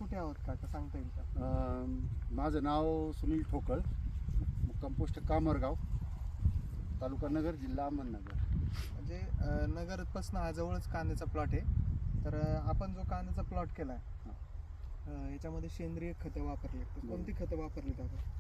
कुठे आहोत का सांगता येईल का? माझं नाव सुनील ठोकळ, मुक्काम पोस्ट कामरगाव, तालुका नगर, जिल्हा अहमदनगर. म्हणजे नगरपासून हा जवळच कांद्याचा प्लॉट आहे. तर आपण जो कांद्याचा प्लॉट केला आहे याच्यामध्ये सेंद्रिय खतं वापरली, तर कोणती खतं वापरली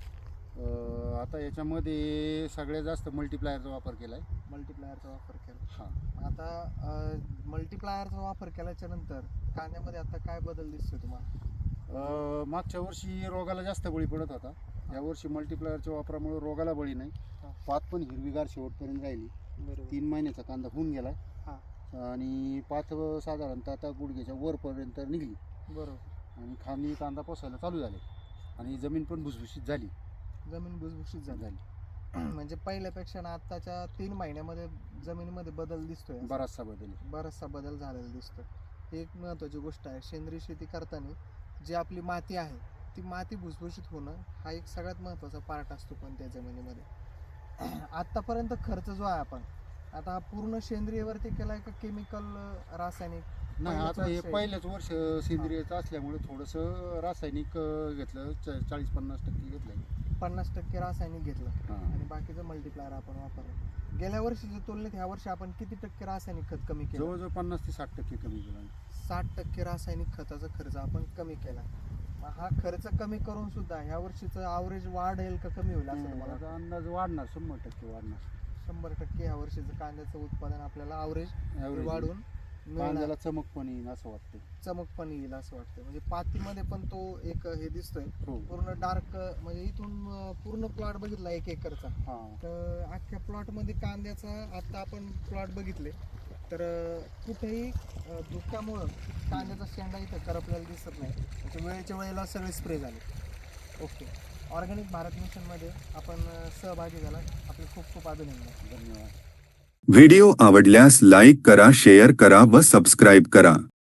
आपण? आता याच्यामध्ये सगळ्यात जास्त मल्टीप्लायरचा वापर केला आहे. मल्टीप्लायरचा वापर केला. हां, आता मल्टीप्लायरचा वापर केल्याच्या नंतर कांद्यामध्ये आता काय बदल दिसतोय तुम्हाला? मागच्या वर्षी रोगाला जास्त बळी पडत होता. यावर्षी मल्टीप्लायरच्या वापरामुळे रोगाला बळी नाही. हां. पात पण हिरवीगार शेवटपर्यंत राहिली. बरोबर. 3 महिन्याचा कांदा होऊन गेला हां. आणि पात साधारणतः आता गुडघ्याच्या वरपर्यंत निघली बरोबर. आणि खाली कांदा पोसायला चालू झाले आणि जमीन पण भुसभुशीत झाली. जमीन भुसभुशीत झाली. म्हणजे पहिल्यापेक्षा ना आत्ताच्या 3 महिन्यामध्ये जमिनीमध्ये बदल दिसतोय. बराचसा बदल झालेला दिसतोय. ही एक महत्त्वाची गोष्ट आहे. सेंद्रिय शेती करताना जी आपली माती आहे ती माती भुसभुशीत होणं हा एक सगळ्यात महत्त्वाचा पार्ट असतो कोणत्या जमिनीमध्ये. आत्तापर्यंत खर्च जो आहे आपण आता हा पूर्ण सेंद्रियवरती केलाय का केमिकल रासायनिक? नाही, आता हे पहिलंच वर्ष सेंद्रियचं असल्यामुळे थोडंसं रासायनिक घेतलं, 40-50% घेतलं. 50% रासायनिक घेतलं हां. आणि बाकीचं मल्टीप्लायर आपण वापरलं. गेल्या वर्षीच्या तुलनेत ह्या वर्षी आपण किती टक्के रासायनिक खत कमी केलं? जवळजवळ 50 ते 60% कमी केला. 60% रासायनिक खताचा खर्च आपण कमी केला. हा खर्च कमी करून सुद्धा ह्या वर्षीचं ॲव्हरेज वाढेल का कमी होईल असं तुम्हाला? माझा अंदाज वाढणार, 100% वाढणार. 100% ह्या वर्षीचं कांद्याचं उत्पादन आपल्याला ॲव्हरेज वाढून कांद्याला चमक पण येईल असं वाटतं. चमक पण येईल असं वाटतं. म्हणजे पातीमध्ये पण तो एक हे दिसतोय हो. पूर्ण डार्क. म्हणजे इथून पूर्ण प्लॉट बघितला 1 एकरचा, हां. तर अख्ख्या प्लॉटमध्ये कांद्याचा आता आपण प्लॉट बघितले तर कुठेही धुक्यामुळं कांद्याचा शेंडा इथं करपलेला दिसत नाही. म्हणजे वेळेच्या वेळेला सगळे स्प्रे झाले. ओके. ऑर्गॅनिक भारत मिशनमध्ये आपण सहभागी झाला. आपले खूप खूप अभिनंदन. धन्यवाद. व्हिडिओ आवडल्यास लाईक करा, शेअर करा व सबस्क्राईब करा.